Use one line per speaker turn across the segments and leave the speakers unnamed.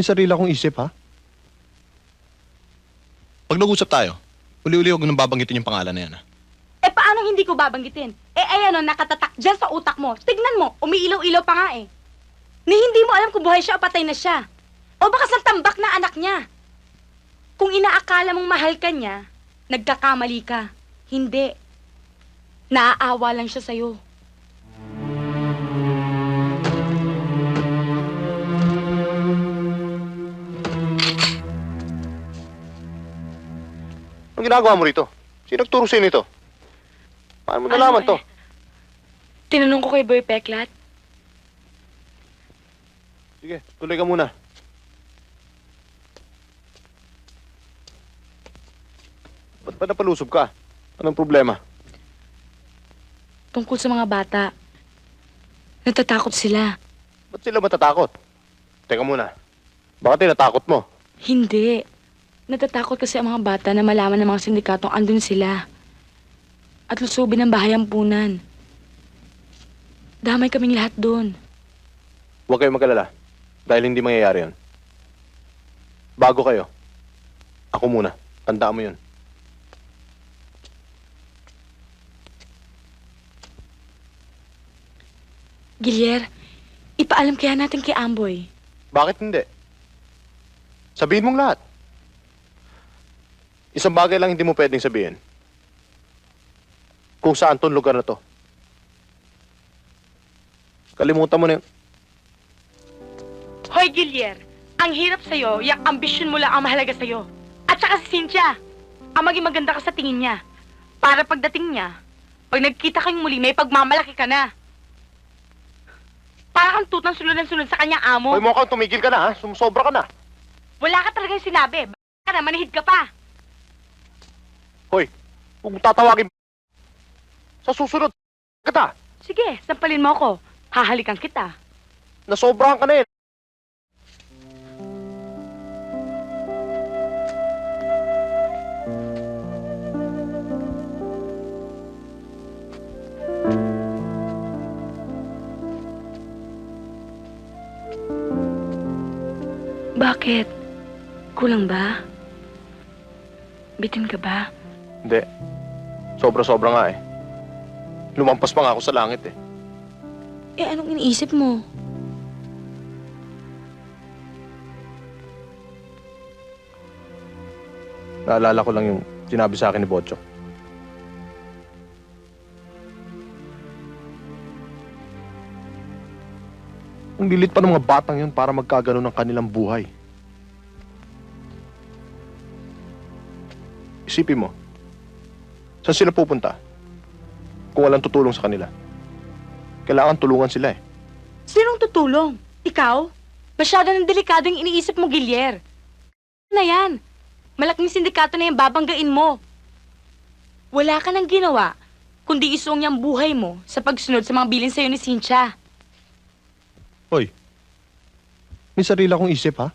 May sarili akong isip, ha?
Pag nag-usap tayo, uli-uli huwag nang babanggitin yung pangalan na yan, ha?
Eh, paano hindi ko babanggitin? Eh, ayan o, nakatatak dyan sa utak mo. Tignan mo, umiilaw-ilaw pa nga eh. Ni hindi mo alam kung buhay siya o patay na siya. O baka sa tambak na anak niya. Kung inaakala mong mahal ka niya, nagkakamali ka. Hindi. Naaawa lang siya sa'yo.
Anong ginagawa mo rito? Sino nagturo sa'yo nito? Paano mo nalaman to?
Tinanong ko kay Boy Peklat.
Sige, tuloy ka muna. Ba't ba napalusob ka? Anong problema?
Tungkol sa mga bata. Natatakot sila.
Ba't sila matatakot? Teka muna. Baka tinatakot mo.
Hindi. Natatakot kasi ang mga bata na malaman ng mga sindikatong andun sila. At lusubin ang bahay ampunan. Damay kaming lahat doon.
Huwag kayong mag-alala. Dahil hindi mangyayari yun. Bago kayo. Ako muna. Tandaan mo yun.
Gilier, ipaalam kaya natin kay Amboy.
Bakit hindi? Sabihin mong lahat. Isang bagay lang hindi mo pwedeng sabihin. Kung saan tong lugar na to. Kalimutan mo na yun.
Hoy, Gilier! Ang hirap sa'yo, yung ambisyon mo lang ang mahalaga sa'yo. At saka si Cynthia, ang maging maganda ka sa tingin niya. Para pagdating niya, pag nagkita kayong muli, may pagmamalaki ka na. Para kang tutang sunod ng sunod sa kanyang amo.
Hoy, mukhang tumigil ka na, ha? Sumusobra ka na.
Wala ka talagang sinabi. Baka ka na, manihid ka pa.
Hoy, huwag mo tatawagin. Sa susunod, kita.
Sige, sampalin mo ako. Hahalikan kita.
Nasobrahan ka na eh.
Bakit? Kulang ba? Bitin ka ba?
Hindi. Sobra-sobra nga eh. Lumampas pa nga ako sa langit eh.
Eh, anong iniisip mo?
Naalala ko lang yung sinabi sa akin ni Bocho. Ang lilit pa ng mga batang yun para magkagano ng kanilang buhay. Isipin mo, saan sila pupunta? Kung walang tutulong sa kanila. Kailangan tulungan sila eh.
Sinong tutulong? Ikaw? Masyado ng delikado yung iniisip mo, Gilier. Na yan. Malaking sindikato na yung babanggain mo. Wala ka nang ginawa, kundi isuong yung buhay mo sa pagsunod sa mga bilin sa'yo ni Cynthia.
Hoy, may sarili akong isip ha?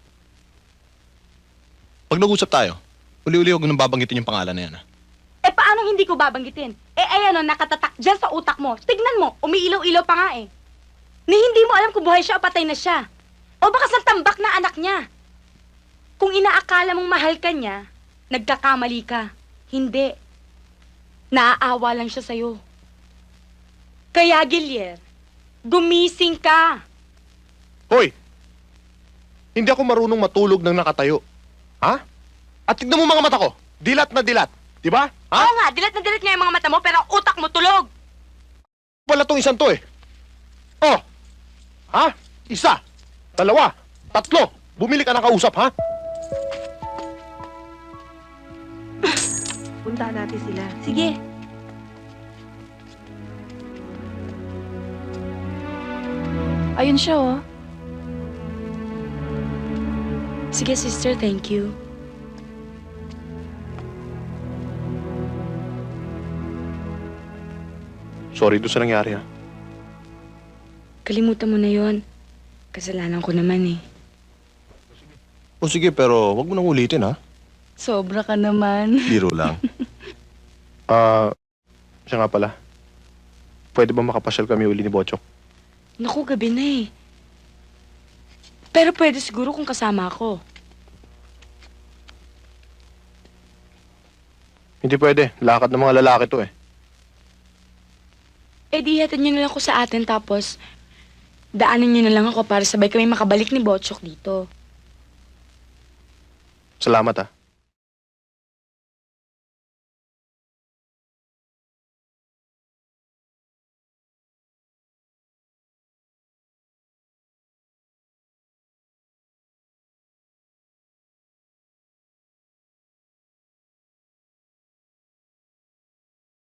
Pag nag-usap tayo, uli-uli huwag nang babanggitin yung pangalan na yan, ha?
Eh, paano hindi ko babanggitin? Eh, ayan o, nakatatak dyan sa utak mo. Tignan mo, umiilaw-ilaw pa nga eh. Ni hindi mo alam kung buhay siya o patay na siya. O baka sa tambak na anak niya. Kung inaakala mong mahal ka niya, nagkakamali ka. Hindi. Naaawa lang siya sa'yo. Kaya, Gilier, gumising ka.
Hoy! Hindi ako marunong matulog ng nakatayo. Ha? At tignan mo mga mata ko. Dilat na dilat. Di ba? Ha?
Oo nga, dilat na dilat nga yung mga mata mo, pero ang utak mo tulog.
Wala tong isang to eh. Oh! Ha? Isa. Dalawa. Tatlo. Bumili ka ng kausap, ha?
Puntahan natin sila. Sige. Ayun siya, oh. Sige, sister, thank you.
Sorry doon sa nangyari, ha?
Kalimutan mo na yon. Kasalanan ko naman eh.
O sige, pero wag mo nang ulitin, ha?
Sobra ka naman.
Biro lang. Siya nga pala. Pwede ba makapasyal kami uli ni Bochok?
Naku, gabi na eh. Pero pwede siguro kung kasama ako.
Hindi pwede. Lakad ng mga lalaki to eh.
Eh di hatid niyo na lang ako sa atin tapos daanan niyo na lang ako para sabay kami makabalik ni Botchok dito.
Salamat ah.